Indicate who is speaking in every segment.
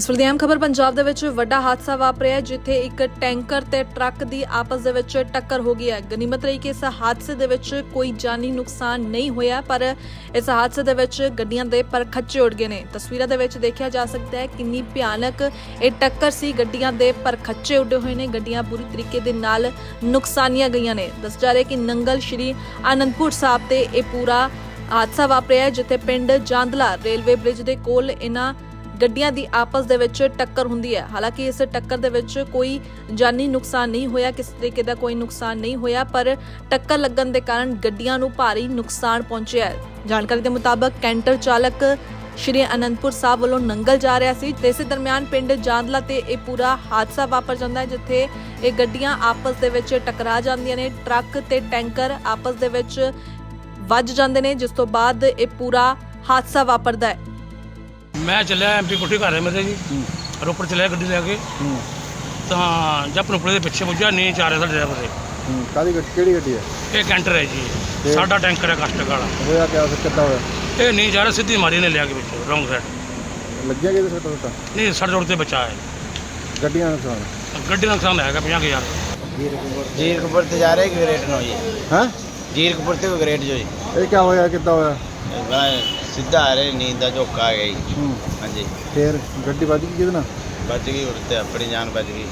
Speaker 1: ਇਸ ਵੇਲੇ ਦੀ ਅਹਿਮ ਖਬਰ ਪੰਜਾਬ ਦੇ ਵਿੱਚ ਵੱਡਾ ਹਾਦਸਾ ਵਾਪਰਿਆ ਜਿੱਥੇ ਇੱਕ ਟੈਂਕਰ ਤੇ ਟਰੱਕ ਦੀ ਆਪਸ ਦੇ ਵਿੱਚ ਟੱਕਰ ਹੋ ਗਈ ਹੈ। ਗਨੀਮਤ ਰਹੀ ਕਿ ਇਸ ਹਾਦਸੇ ਦੇ ਵਿੱਚ ਕੋਈ ਜਾਨੀ ਨੁਕਸਾਨ ਨਹੀਂ ਹੋਇਆ, ਪਰ ਇਸ ਹਾਦਸੇ ਦੇ ਵਿੱਚ ਗੱਡੀਆਂ ਦੇ ਪਰਖੱਚੇ ਉੱਡ ਗਏ ਨੇ। ਤਸਵੀਰਾਂ ਦੇ ਵਿੱਚ ਦੇਖਿਆ ਜਾ ਸਕਦਾ ਹੈ ਕਿੰਨੀ ਭਿਆਨਕ ਇਹ ਟੱਕਰ ਸੀ। ਗੱਡੀਆਂ ਦੇ ਪਰਖੱਚੇ ਉੱਡੇ ਹੋਏ ਨੇ, ਗੱਡੀਆਂ ਪੂਰੀ ਤਰੀਕੇ ਦੇ ਨਾਲ ਨੁਕਸਾਨੀਆਂ ਗਈਆਂ ਨੇ। ਦੱਸਿਆ ਜਾ ਰਿਹਾ ਕਿ ਨੰਗਲ ਸ਼੍ਰੀ ਆਨੰਦਪੁਰ ਸਾਹਿਬ ਤੇ ਇਹ ਪੂਰਾ ਹਾਦਸਾ ਵਾਪਰਿਆ ਜਿੱਥੇ ਪਿੰਡ ਜਾਂਦਲਾ ਰੇਲਵੇ ਬ੍ਰਿਜ ਦੇ ਕੋਲ ਇਹਨਾਂ ਗੱਡੀਆਂ ਦੀ ਆਪਸ ਦੇ ਵਿੱਚ ਟੱਕਰ ਹੁੰਦੀ ਹੈ। ਹਾਲਾਂਕਿ ਇਸ ਟੱਕਰ ਦੇ ਵਿੱਚ ਕੋਈ ਜਾਨੀ ਨੁਕਸਾਨ ਨਹੀਂ ਹੋਇਆ, ਕਿਸੇ ਤਰੀਕੇ ਦਾ ਕੋਈ ਨੁਕਸਾਨ ਨਹੀਂ ਹੋਇਆ, ਪਰ ਟੱਕਰ ਲੱਗਣ ਦੇ ਕਾਰਨ ਗੱਡੀਆਂ ਨੂੰ ਭਾਰੀ ਨੁਕਸਾਨ ਪਹੁੰਚਿਆ ਹੈ। ਜਾਣਕਾਰੀ ਦੇ ਮੁਤਾਬਕ ਕੈਂਟਰ ਚਾਲਕ ਸ਼੍ਰੀ ਅਨੰਦਪੁਰ ਸਾਹਿਬ ਵੱਲੋਂ ਨੰਗਲ ਜਾ ਰਿਹਾ ਸੀ ਤੇ ਇਸੇ ਦਰਮਿਆਨ ਪਿੰਡ ਜਾਂਦਲਾ ਤੇ ਇਹ ਪੂਰਾ ਹਾਦਸਾ ਵਾਪਰ ਜਾਂਦਾ ਹੈ ਜਿੱਥੇ ਇਹ ਗੱਡੀਆਂ ਆਪਸ ਦੇ ਵਿੱਚ ਟਕਰਾ ਜਾਂਦੀਆਂ ਨੇ। ਟਰੱਕ ਤੇ ਟੈਂਕਰ ਆਪਸ ਦੇ ਵਿੱਚ ਵੱਜ ਜਾਂਦੇ ਨੇ, ਜਿਸ ਤੋਂ ਬਾਅਦ ਇਹ ਪੂਰਾ ਹਾਦਸਾ ਵਾਪਰਦਾ ਹੈ।
Speaker 2: मैं चलिया MP कोठी घर है मेरे जी, रोपड़ चलिया गड्डी लैके तो जब रोपड़े के पिछे पुजा नहीं जा रहा था ड्राइवर से।
Speaker 3: काली केड़ी गड्डी है?
Speaker 2: ये कैंटर है जी, साडा टैंकर है कास्टक वाला।
Speaker 3: होया क्या कितना होया?
Speaker 2: ये नहीं जा रहा, सीधी मारी ने लिया के पिछे रॉन्ग साइड
Speaker 3: लग गया किधर सट्टा सट्टा?
Speaker 2: नहीं, सड़ जोड़ से बचा है।
Speaker 3: गड्डियां नुकसान
Speaker 2: गड्डी नुकसान है 50,000।
Speaker 4: जीरकपुर से जा रहे कि ग्रेट नो जी?
Speaker 3: हैं?
Speaker 4: जीरकपुर से ग्रेट जो जी
Speaker 3: ये क्या होया कितना होया?
Speaker 4: सीधा आ रहे नींद का झोंका आ गई। हाँ जी,
Speaker 3: फिर गड्डी बज गई कितना?
Speaker 4: बच गई उड़ते अपनी जान बच गई।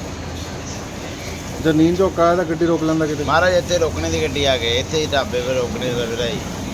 Speaker 3: जब नींद चौका आया तो गड्डी रोक लेंदा किते?
Speaker 4: महाराज इतने रोकने की गड्डी आ गई, इतने ही ढाबे पर रोकने का फिर आई।